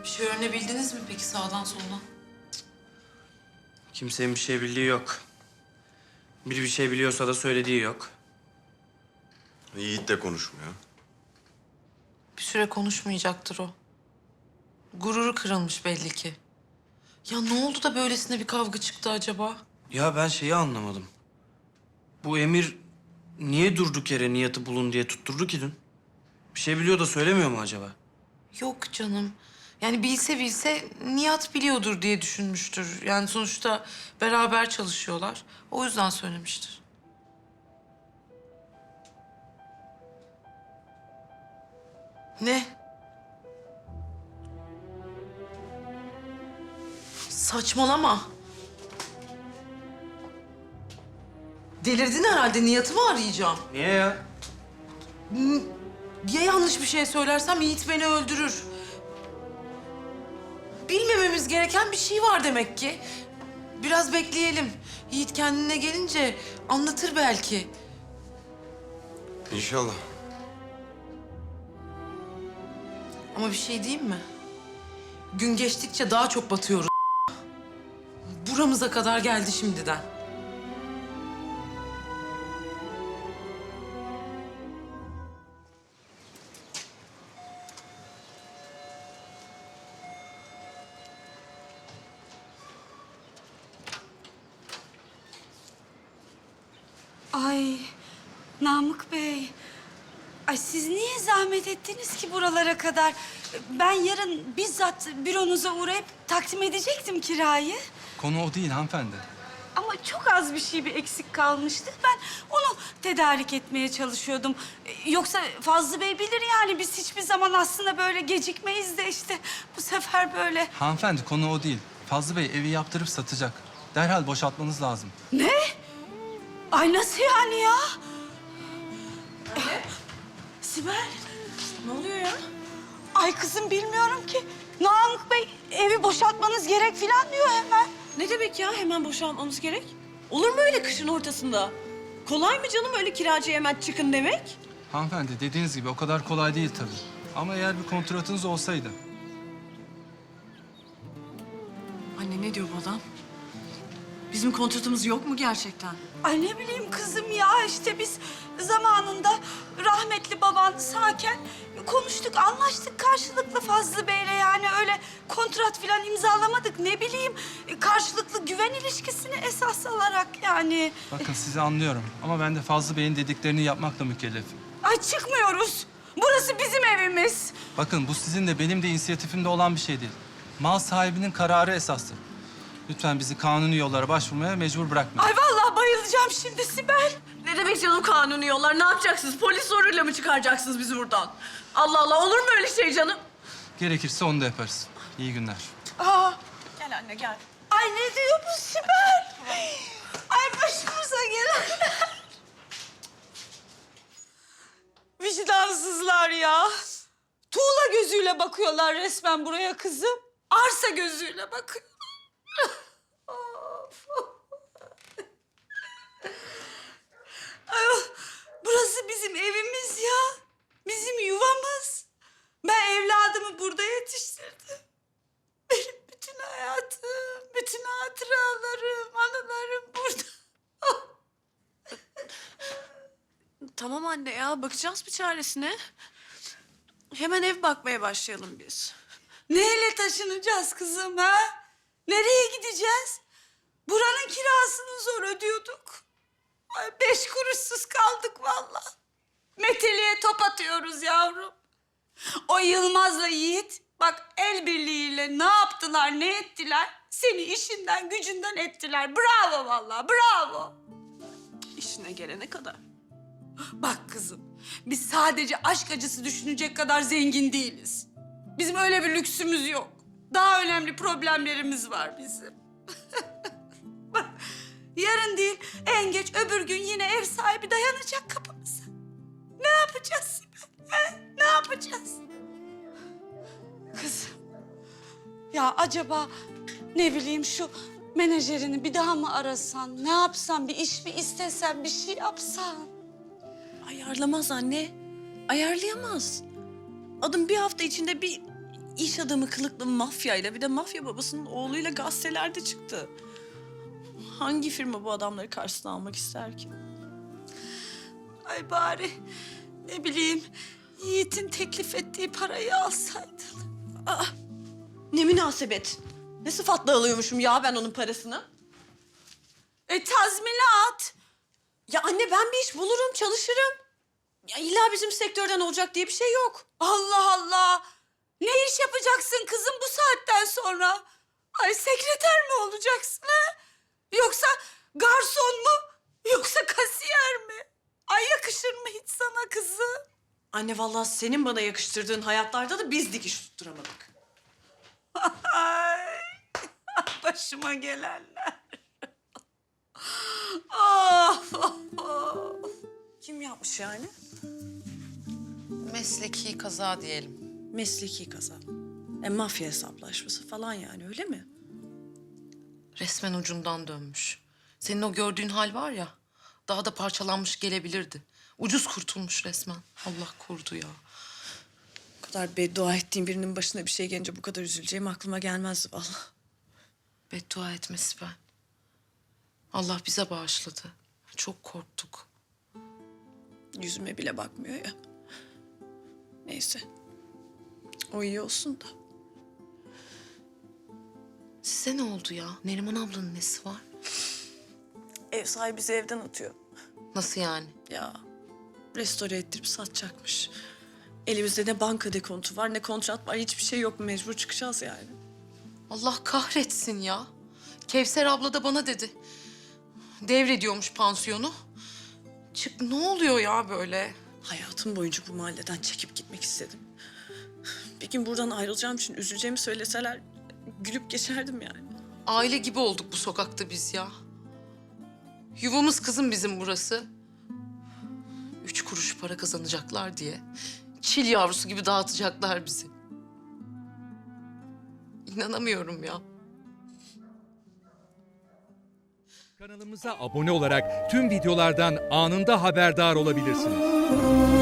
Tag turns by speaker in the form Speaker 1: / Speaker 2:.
Speaker 1: Bir şey öğrenebildiniz mi peki sağdan soldan?
Speaker 2: Kimsenin bir şey bildiği yok. Biri bir şey biliyorsa da söylediği yok.
Speaker 3: Yiğit de konuşmuyor.
Speaker 1: Bir süre konuşmayacaktır o. Gururu kırılmış belli ki. Ya ne oldu da böylesine bir kavga çıktı acaba?
Speaker 2: Ya ben şeyi anlamadım. Bu Emir niye durduk yere Nihat'ı bulun diye tutturdu ki dün? Bir şey biliyor da söylemiyor mu acaba?
Speaker 1: Yok canım. Yani bilse Nihat biliyordur diye düşünmüştür. Yani sonuçta beraber çalışıyorlar. O yüzden söylemiştir. Ne? Saçmalama. Delirdin herhalde. Nihat'ı mı arayacağım?
Speaker 2: Niye ya?
Speaker 1: Ya yanlış bir şey söylersem Yiğit beni öldürür. Bilmememiz gereken bir şey var demek ki. Biraz bekleyelim. Yiğit kendine gelince anlatır belki.
Speaker 3: İnşallah.
Speaker 1: Ama bir şey diyeyim mi? Gün geçtikçe daha çok batıyoruz. Buramıza kadar geldi şimdiden.
Speaker 4: Ay Namık Bey. Ay siz niye zahmet ettiniz ki buralara kadar? Ben yarın bizzat büronuza uğrayıp takdim edecektim kirayı.
Speaker 5: Konu o değil hanımefendi.
Speaker 4: Ama çok az bir şey bir eksik kalmıştı. Ben onu tedarik etmeye çalışıyordum. Yoksa Fazlı Bey bilir yani biz hiçbir zaman aslında böyle gecikmeyiz de işte bu sefer böyle.
Speaker 5: Hanımefendi konu o değil. Fazlı Bey evi yaptırıp satacak. Derhal boşaltmanız lazım.
Speaker 4: Ne? Ay nasıl yani ya? Sibel.
Speaker 1: Ne oluyor ya?
Speaker 4: Ay kızım bilmiyorum ki. Namık Bey evi boşaltmanız gerek falan diyor hemen.
Speaker 6: Ne demek ya hemen boşanmamız gerek? Olur mu öyle kışın ortasında? Kolay mı canım öyle kiracıya hemen çıkın demek?
Speaker 5: Hanımefendi dediğiniz gibi o kadar kolay değil tabii. Ama eğer bir kontratınız olsaydı.
Speaker 6: Anne ne diyor bu adam? Bizim kontratımız yok mu gerçekten?
Speaker 4: Ay ne bileyim kızım ya işte biz zamanında rahmetli baban sağken konuştuk, anlaştık karşılıklı Fazlı Bey'le yani öyle kontrat falan imzalamadık ne bileyim karşılıklı güven ilişkisini esas alarak yani.
Speaker 5: Bakın sizi anlıyorum ama ben de Fazlı Bey'in dediklerini yapmakla mükellefim.
Speaker 4: Ay çıkmıyoruz. Burası bizim evimiz.
Speaker 5: Bakın bu sizin de benim de inisiyatifimde olan bir şey değil. Mal sahibinin kararı esastır. Lütfen bizi kanuni yollara başvurmaya mecbur bırakmayın.
Speaker 4: Ay vallahi bayılacağım şimdi Sibel.
Speaker 6: Ne demek canım kanuni yollar? Ne yapacaksınız? Polis zoruyla mı çıkaracaksınız bizi buradan? Allah Allah olur mu öyle şey canım?
Speaker 5: Gerekirse onu da yaparız. İyi günler.
Speaker 4: Aa,
Speaker 6: Gel anne gel.
Speaker 4: ay ne diyor bu Sibel? Ay başımıza gelenler. Vicdansızlar ya. Tuğla gözüyle bakıyorlar resmen buraya kızım. Arsa gözüyle bakıyor. Of. Ay, burası bizim evimiz ya. Bizim yuvamız. Ben evladımı burada yetiştirdim. Benim bütün hayatım, bütün hatıralarım, anılarım burada.
Speaker 6: Tamam anne ya bakacağız bir çaresine. Hemen ev bakmaya başlayalım biz.
Speaker 4: Neyle taşınacağız kızım ha? Nereye gideceğiz? Buranın kirasını zor ödüyorduk. Ay 5 kuruşsuz kaldık vallahi. Meteliğe top atıyoruz yavrum. O Yılmaz'la Yiğit bak el birliğiyle ne yaptılar, ne ettiler? Seni işinden, gücünden ettiler. Bravo vallahi, bravo.
Speaker 6: İşine gelene kadar.
Speaker 4: Bak kızım, biz sadece aşk acısı düşünecek kadar zengin değiliz. Bizim öyle bir lüksümüz yok. Daha önemli problemlerimiz var bizim. Bak, yarın değil, en geç öbür gün yine ev sahibi dayanacak kapımıza. Ne yapacağız Sibel? He? Ne yapacağız? Kızım, ya acaba ne bileyim şu menajerini bir daha mı arasan? Ne yapsan, bir iş mi istesen, bir şey yapsan?
Speaker 6: Ayarlamaz anne. Ayarlayamaz. Adım bir hafta içinde bir iş adamı kılıklı mafyayla, bir de mafya babasının oğluyla gazetelerde çıktı. Hangi firma bu adamları karşısına almak ister ki?
Speaker 4: Ay bari ne bileyim Yiğit'in teklif ettiği parayı alsaydın.
Speaker 6: Ne münasebet. Ne sıfatla alıyormuşum ya ben onun parasını?
Speaker 4: Tazminat.
Speaker 6: Ya anne ben bir iş bulurum, çalışırım. Ya illa bizim sektörden olacak diye bir şey yok.
Speaker 4: Allah Allah. Ne iş yapacaksın kızım bu saatten sonra? Ay sekreter mi olacaksın ha? Yoksa garson mu? Yoksa kasiyer mi? Ay yakışır mı hiç sana kızım?
Speaker 6: Anne vallahi senin bana yakıştırdığın hayatlarda da biz dikiş tutturamadık.
Speaker 4: Ay başıma gelenler. Of, of, of.
Speaker 6: Kim yapmış yani?
Speaker 1: Mesleki kaza diyelim.
Speaker 6: Mesleki kaza. Mafya hesaplaşması falan yani öyle mi?
Speaker 1: Resmen ucundan dönmüş. Senin o gördüğün hal var ya, daha da parçalanmış gelebilirdi. Ucuz kurtulmuş resmen. Allah korudu ya.
Speaker 6: Bu kadar beddua ettiğim birinin başına bir şey gelince bu kadar üzüleceğim aklıma gelmezdi vallahi.
Speaker 1: Beddua etmesi ben. Allah bize bağışladı. Çok korktuk.
Speaker 6: Yüzüme bile bakmıyor ya. Neyse. O iyi olsun da.
Speaker 1: Size ne oldu ya? Neriman ablanın nesi var?
Speaker 6: Ev sahibi bizi evden atıyor.
Speaker 1: Nasıl yani?
Speaker 6: Ya restore ettirip satacakmış. Elimizde ne banka dekontu var ne kontrat var. Hiçbir şey yok. Mecbur çıkacağız yani.
Speaker 1: Allah kahretsin ya. Kevser abla da bana dedi. Devrediyormuş pansiyonu. Çık, ne oluyor ya böyle?
Speaker 6: Hayatım boyunca bu mahalleden çekip gitmek istedim. Bir gün buradan ayrılacağım için üzüleceğimi söyleseler gülüp geçerdim yani.
Speaker 1: Aile gibi olduk bu sokakta biz ya. Yuvamız kızım bizim burası. 3 kuruş para kazanacaklar diye çil yavrusu gibi dağıtacaklar bizi. İnanamıyorum ya.
Speaker 7: Kanalımıza abone olarak tüm videolardan anında haberdar olabilirsiniz.